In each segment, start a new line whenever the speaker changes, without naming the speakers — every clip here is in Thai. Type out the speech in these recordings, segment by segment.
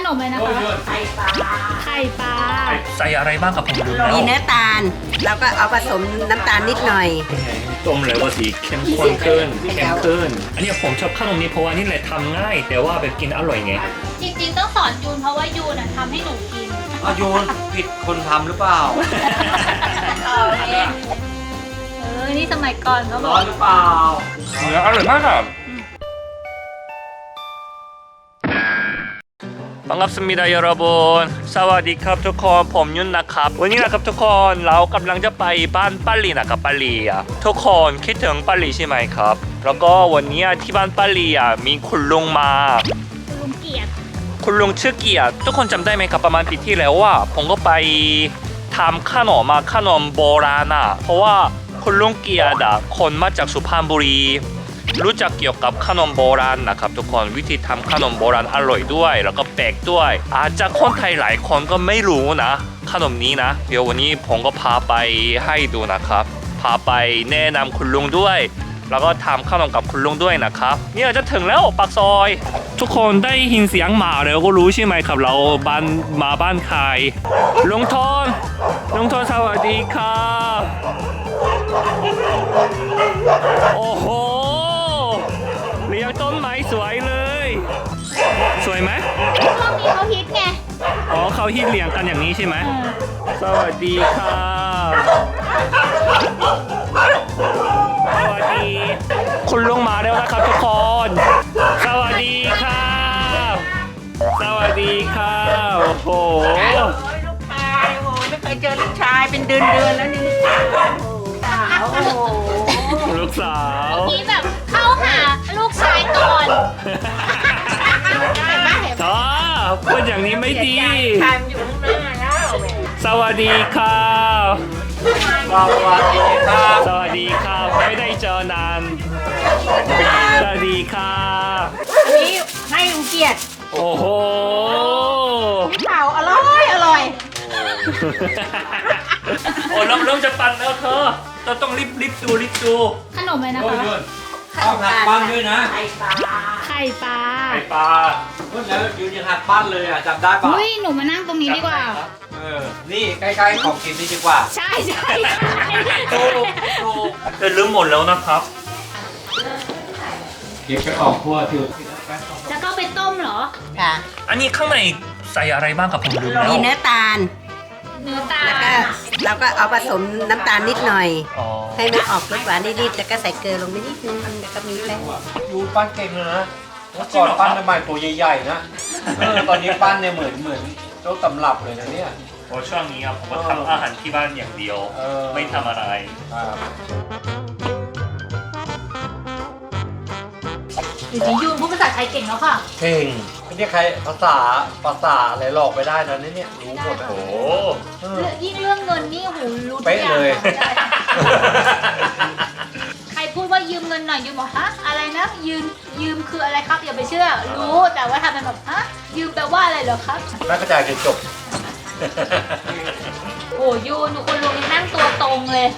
นมเลยนะคะไข่ปลา
ใส่อะไรบ้างกับผมดูแล้ว
มีเนื้อตาลแล้วก็เอาผสมน้ำตาลนิดหน่อย
ต้มแล้วว่าสีเข้มข้นขึ้นอันนี้ผมชอบขนมนี้เพราะว่านี่แหละทำง่าย แต่ว่าแบบกินอร่อยไง
จริงๆต้องสอนยูนเพราะว่ายูนทำให้หนูกิน
อายุผิดคนทำหรือเปล่า
นี่สมัยก่อนเขาบ
ร้
อ
อก นหรือเปล่า
เนื้ออร่อยมากครับ반갑습니다 여러분 สวัสดีครับทุกคนผมยุ่นนะครับวันนี้นะครับทุกคนเรากำลังจะไปบ้านป้าลีนะครับป้าลีอ่ะทุกคนคิดถึงป้าลีใช่ไหมครับแล้วก็วันนี้ที่บ้านป้าลีอ่ะมีคุณลุงมา
ลุงเกียรติ
คุณลุงชื่อเกียรติทุกคนจำได้ไหมครับประมาณปีที่แล้วว่าผมก็ไปทำขนมโบราณอ่ะเพราะว่าคุณลุงเกียรติคนมาจากสุพรรณบุรีรู้จักเกี่ยวกับขนมโบราณนะครับทุกคนวิธีทำขนมโบราณอร่อยด้วยแล้วก็แปลกด้วยอาจจะคนไทยหลายคนก็ไม่รู้นะขนมนี้นะเดี๋ยววันนี้ผมก็พาไปให้ดูนะครับพาไปแนะนำคุณลุงด้วยแล้วก็ทำขนมกับคุณลุงด้วยนะครับเนี่ยจะถึงแล้วปากซอยทุกคนได้ยินเสียงหมาแล้วก็รู้ใช่ไหมครับเรามาบ้านใครลุงทนสวัสดีครับโอ้โหเลี้ยงต้นไม้สวยเลยสวยไหม
ช่วงนี้เขาฮิตไง
อ๋อเขาฮิตเลี้ยงกันอย่างนี้ใช่ไหมสวัสดีครับสวัสดีคุณลุงมาแล้วนะครับทุกคนสวัสดีครับสวัสดีครับโอ้โห
ลูกชายโอ้ไม่เคยเจอลูกชายเป็นเดือนแล้วนี่โอ้โห
ลูกสาว
นี่แบบเข้าหาลูกชายก่อน
อ๋อพูดอย่างนี้ไม่ดี
ชายมันอยู่ข้างหน้าแล้ว
สวัสดีครับ
สวัสดีครับ
สวัสดีครับไม่ได้เจอนานสวัสดีครับ
อันนี้ให้ลุงเกียรติ
โอ้โห
เปล่าอร่อย
โอ้เริ่มจะปั่นแล้วเธอเราต้องรีบดู
ขนมเลยนะ
โอ้
คะ
ยต้องหัดปั้นด้วยนะ
ไข่ปลา
ไข่ปลา
แล้วยืนยังหัดปั้นเลยอ่ะจำได้ป่ะ
เฮ้ยหนูมานั่งตรงนี้ดีกว่า
นี่ใกล้ๆของกินนี่ดีกว่า
ใช่
แต่ลืมหมดแล้วนะครับ
เก็บไปออกทั่วที่
แล้วก็ไปต้มเหรอ
ค่ะ
อันนี้ข้างในใส่อะไรบ้างครับผมลืมแล้ว
มีเนื้อตาล
เนื้อตา
แล้วก็เอาผสมน้ำตาลนิดหน่อย
อ๋อ
ให้มันออกรสหวานนิดๆแล้วก็ใส่เกลือลงไปนิดนึงแล้วก็มีแป้ง
ยูปั้นเก่งเลยนะเมื่อก่อนปั้นทำไมตัวใหญ่ๆนะตอนนี้ปั้นเนี่ยเหมือนโต๊ะตำรับเลยนะเนี่ย
โอ้ช่วงนี้ผมก็ทำอาหารที่บ้านอย่างเดียว ไม่ทำอะไร
เดี๋ยวนี้ยูนพูดภาษาไทยเก่งแล้วค่ะ
เก่งไม่ใช่ใครภาษาอะไรหลอกไปได้นะเนี่ยรู้หมดนะ
โอ้
ยิ่งเรื่องเงินนี่หูรู้ทุก
เป๊ะ
อย่าง
เลย
ใครพูดว่ายืมเงินหน่อยยูบอกฮะอะไรนะยืมคืออะไรครับอย่าไปเชื่อรู้แต่ว่าทำเป็นแบบฮะยืมแปลว่าอะไรเหรอครับ
นักกระจายจนจบ
โอ้ยูนดูคนลุงนี่นั่งตัวตรงเลย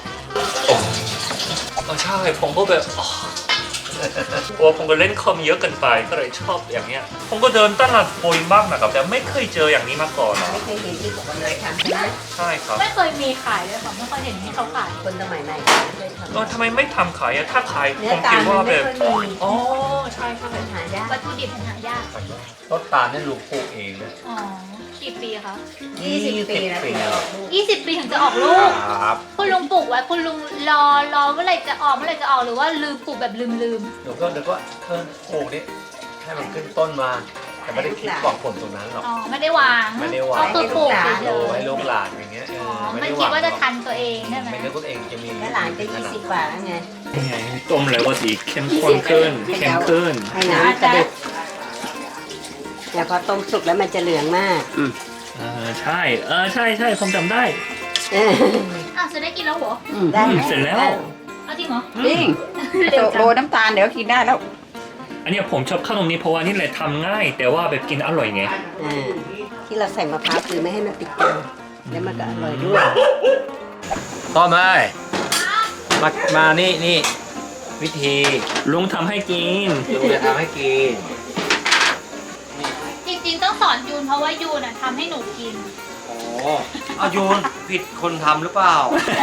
ใช่ผมก็แบบโอ้ผมก็เล่นคอมเยอะเกินไปก็เลยชอบอย่างเงี้ยผมก็เดินตลาดบ่อยมากนะครับแต่ไม่เคยเจออย่างนี้มาก่อนนะ
ไม่เคยเห็นที่บอกว่าเลยทำใช่ไหม
ใช่ครับ
ไม่เคยมีขายเลยค่ะไม่เคยเห็นที่เขาขาย
คนสมัยใหม่ไม่เคยทำ
ทำไมไม่ทำขายอะถ้าขาย
เนื้
ผ
อ
ม
ตา
คิ
ล
ด
มั
ว่าน แบ
ไม่
บ
ค่อยมี
อ๋อใช่ครับ
มันหายาก
วัตถุดิบมันหายาก
ต้นตาลนี่ลุงปลูกเองนะ
อ๋อกี่ปีคะ
20 ปีนะถึงจะออกลูก
20 ปีถึงจะออกลูก
ครับ
คุณลุงปลูกไว้คุณลุงรอเมื่อไหร่จะออกหรือว่าลืมปลูกแบบลืม
เดี๋ยวก็ปลูกนี่ให้มันขึ้นต้นมา แต่ไม่ได้คิดหวังผลตรงนั้นหรอก
อ๋อไม่ได้วาง
ไม่ได้วาง
ก็คือปลูกเฉย
โตให้ลูกหลานอย่างเงี้ย
ๆไม่คิดว่าจะทันตัวเองใช่ไหม
ไม่นึกว่าเองจะมี
แล้วหลานก็20 กว่าแล้วไง
ต้มแล้วก็สีเข้มข้นขึ้นเข้มขึ้น
ให้น้ำกระเด็ดแต่พอต้มสุกแล้วมันจะเหลืองมาก
ใช่ใช่ผมจำได้
อ้าวจะได้กินแล้วเหรอ
ได้ไหม
เสร็จแล้ว
เอาจริงเหรอ
จริง
เร็วจัง
โรยน้ำตาลเดี๋ยวกินได้แล้ว
อันนี้ผมชอบขนมนี้เพราะว่านี่แหละทำง่าย แต่ว่าแบบกินอร่อยไง
ที่เราใส่มะพร้าวคือไม่ให้มันติดกันแล้วมันก็อร่อยด้วย
ต้อมเลยมานี่วิธี
ลุงทำให้กิน
ลุงจะทำให้กิน
จริงๆต้องสอนยูนเพราะะว่ายูน่ะทำให้หนูกิน
โอ้เอาโยนผิดคนทำหรือเปล่า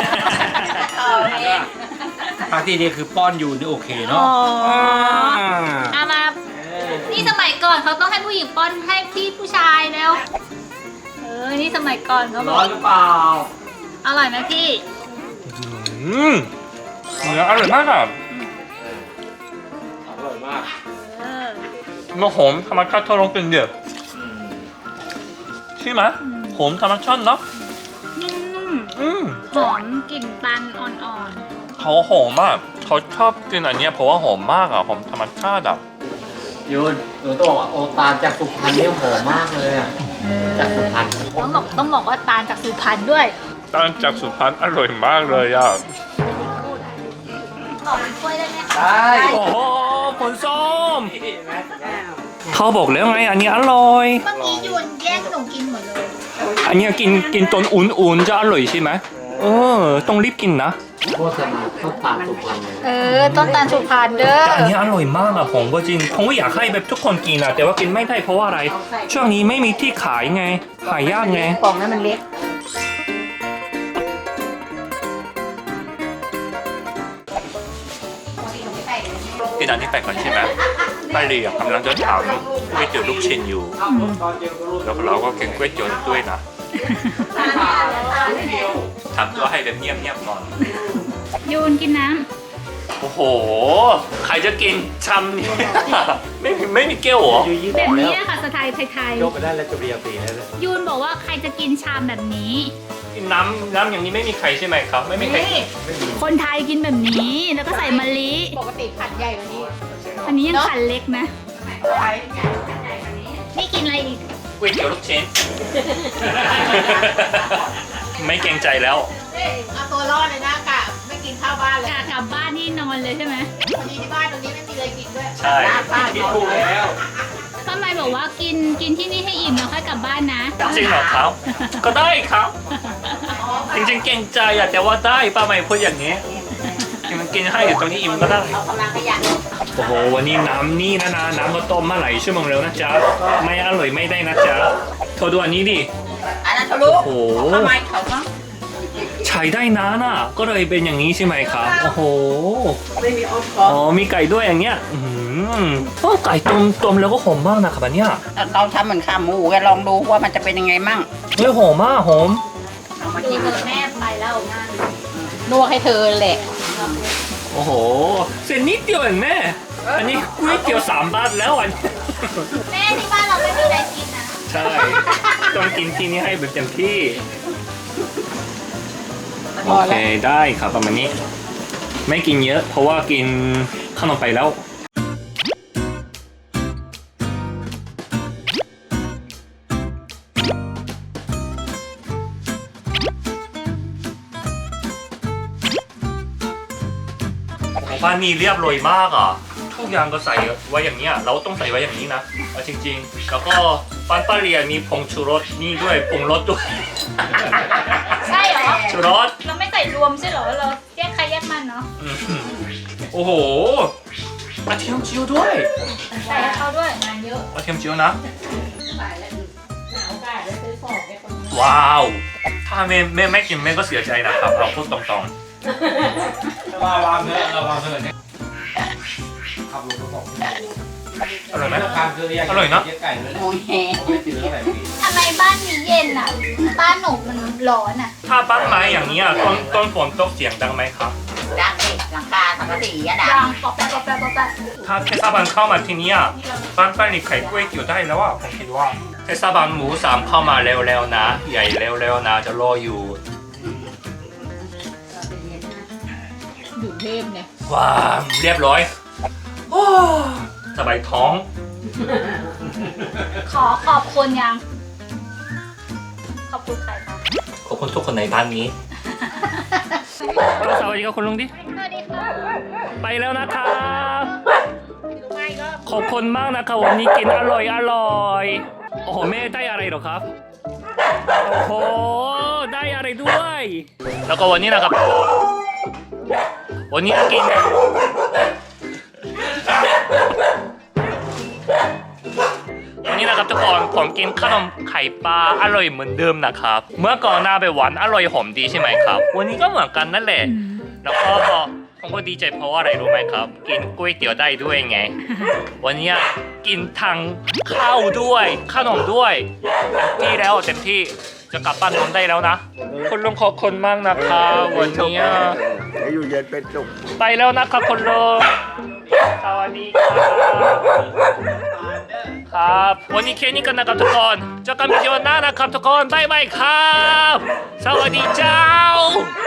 ปาร์ตี้นี่คือป้อนยูนี่โอเคเนาะ
เอามานี่สมัยก่อนเขาต้องให้ผู้หญิงป้อนให้พี่ผู้ชายแล้วนี่สมัยก่อนเขาบ
ร้
อ
อก นหรือเปล่า
อร่อยไหมพี่
เนื้ออร่อยมากอ่ะ
อร่อยมาก
เนื้อหอมธรรมชาติทดลองกินเดียวใช่ไหมหอมธรรมชาติเนาะ
นุ่มหอมกลิ่นตันอ่อน
เขาหอมมากเขาชอบกินอันเนี้ยเพราะว่าหอมมากอ่ะหอมธรรมชาติอ่ะ
ยูนหนูต้องบอกว่าโอตาลจากสุพรรณเนี่ยหอมมากเลยอะจากสุพรรณ
ต้องบอกว่าตาลจากสุพรรณด้วย
ตอนจากสุพรรณอร่อยมากเลยอ่ะ
ขอเป็นถ้วยได้ไหมคะ
ได้
โอ้โหผลส้มเขาบอกแล้วไงอันนี้อร่อย
เมื่อกี้ยูนแย่งหนูกินหมดเลย
อันเนี้ยกินตอนอุ่นๆจะอร่อยใช่ไหมต้องรีบกินนะ
โคตรต้นตาลสุพรรณเลย
ต้นตาลสุพรรณเด้อ
แต่อันนี้อร่อยมากอะผมก็จริงผมก็อยากให้แบบทุกคนกินอะแต่ว่ากินไม่ได้เพราะว่าอะไร ช่วงนี้ไม่มีที่ขายไงขายยากไง
กล่องนั้นมันเล็ก
กินอันนี้ไปก่อนใช่ไหมป้าลีกำลังจะถามก๋วยเตี๋ยวลูกชิ้นอยู่แล้วเราก็กินก๋วยเตี๋ยวด้วยนะทำตัวให้แบบเงียบๆก่อน
ยูนกินน้
โอ้โหใครจะกินชำเนี่ยไม่มีแก้วเหรอ
ำแบบนี้ค่ะสไตล์ไทย
ยกไปได้แล้วจะเรียบรีแล้วเลย
ๆยูนบอกว่าใครจะกินชามแบบนี้
กินน้ำอย่างนี้ไม่มีใครใช่ไหมครับ ไม่มีใคร
คนไทยกินแบบนี้แล้วก็ใส่มะลิ
ปกติขันใหญ่กว่านี้
อันนี้ยังขันเล็กนะ นี่กินอะไรอีก
ก๋วยเตี๋ยวลูกชิ้น ไม่เกรงใจแล้ว
เอาตัวรอดเลยนะกะไม่กินข้าวบ้านเลย
กลับบ้านนี่นอนเลยใช่ไหม
วันนี้ที่บ้านตรงนี้ไม่มีอะไรกินด้วย
ใช่
คิดถูกแล้ว
ป้าไมบอกว่ากินที่นี่ให้อิ่มแล้วค่อยกลับบ้านนะ
จริงเหรอครับ ก็ได้ครับ จริงๆเกรงใจอะแต่ว่าได้ป้าไม่พูดอย่างนี้มันกินให้อยู่ตรงนี้อิ่มก็ได้
เอากำลังขยัน
โอ้โหวันนี้น้ำนี่นะน้ำก็ต้มมาหลายชั่วโมงแล้วนะจ๊ะไม่อร่อยไม่ได้นะจ๊ะเธอดูอันนี้ดิ
อันนั้นทะลุ
โอ้โห
ทำไมเขาต้อง
ใช้ได้นานอ่ะก็เลยเป็นอย่างนี้ใช่ไหมครับโอ้โห
ไม่มีออฟคอ
อ๋อมีไก่ด้วยอย่างเงี้ยไก่ต้มแล้วก็หอมมากนะครับอันเนี้ย
เราทำเหมือนขาหมูแกลองดูว่ามันจะเป็นยังไงมั่ง
เฮ้ยหอมมากหอม
เอามา
ดู
กิน
เธอแม่ไปแล้วงาน
นวดให้เธอแหละ
โอ้โหเส้นนิดเดียวเองแม่อันนี้ก๋วยเตี๋ยว3 บาทแล้วอันนี้
แม่ที่บ้านเราไม่มีอะไรกินนะ
ใช่ต้องกินที่นี่ให้แบบเต็มที่โอเคได้ครับประมาณนี้ ไม่กินเยอะ เพราะว่ากินขนมไปแล้ว ของบ้านนี่เรียบร้อยมากอ่ะทุกอย่างก็ใส่ไว้อย่างเนี้ยเราต้องใส่ไว้อย่างนี้นะเอาจริงๆแล้วก็บ้านป้าเรียมีผงชูรสนี่ด้วยปรุงรสด้วย
ใช่เหรอ
ชูรส
เราไม่ใส่รวมใช่เหรอเราแยกใครแยกมันเนาะ
โอ้โหกระเทียมเจียวด้วย
ใส่ให้เขาด้วยงานเยอะ
กระเทียมเจียวนะว้าวถ้าแม่ไม่กินแม่ก็เสียใจนะครับเราพูดตรง
ระวังเถอะระวังเถอะเนี่ยขับรถมา2 ชั่วโมง
ๆอร่อยไหม
การคืออยาก
อร่อยเนอะ
กิไก่เลย
โอ้ยแฮ
ไม่กินแล้วไหนพี่
ทำไมบ้านนี้เย็นอ่ะ บ้านหนูมันร้อนอ่ะ
ถ้าบ้านไม้อย่างนี้ยต้นฝนตกเสียงดังไหมครับ
ดังเด็กหลังคาสังกะสีอะดั
ดั
ง
งปอกแปะปอกแปะปอกแปะ
ถ้าเทศบาลเข้ามาที่นี่อ่ะบ้านป้านี่ไข่ก๋วยเตี๋ยวได้แล้วอ่ะผมคิดว่าเทศบาลหมู3เข้ามาเร็วๆนะ ใหญ่เร็วๆนะจะรออยู่
อยู่เทพเนี่ย
ว้าวเรียบร้อยโอ้สบายท้อง
ขอบคุณยัง ขอบคุณใครคะ
ขอบคุณทุกคนในบ้านนี้ สวัสดีครับคุณลุงดิ
สวัสดีค่ะ
ไปแล้วนะครับขอบคุณมากนะครับวันนี้กินอร่อยโอ้โหแม่ได้อะไรหรอครับโอ้โหได้อะไรด้วย แล้วก็วันนี้นะครับ วันนี้กินวันนี้นะครับทุกคนผมกินขนมไข่ปลาอร่อยเหมือนเดิมนะครับเมื่อก่อนหน้าไปหวานอร่อยหอมดีใช่ไหมครับวันนี้ก็เหมือนกันนั่นแหละแล้วก็ผมก็ดีใจเพราะว่าอะไรรู้ไหมครับกินก๋วยเตี๋ยวได้ด้วยไงวันนี้กินทั้งข้าวด้วยขนมด้วยเต็มที่แล้วเต็มที่จะกลับบ้านนอนได้แล้วนะคุณลุงขอบคุณมากนะครับวันนี้
ให้อยู่เย็นเป็นสุข
ไปแล้วนะครับคุณลุงสวัสดีครับวันนี้แค่นี้กันนะครับทุกคนเจอกันวิดีโอหน้านะครับทุกคนบ๊ายบายครับสวัสดีเจ้า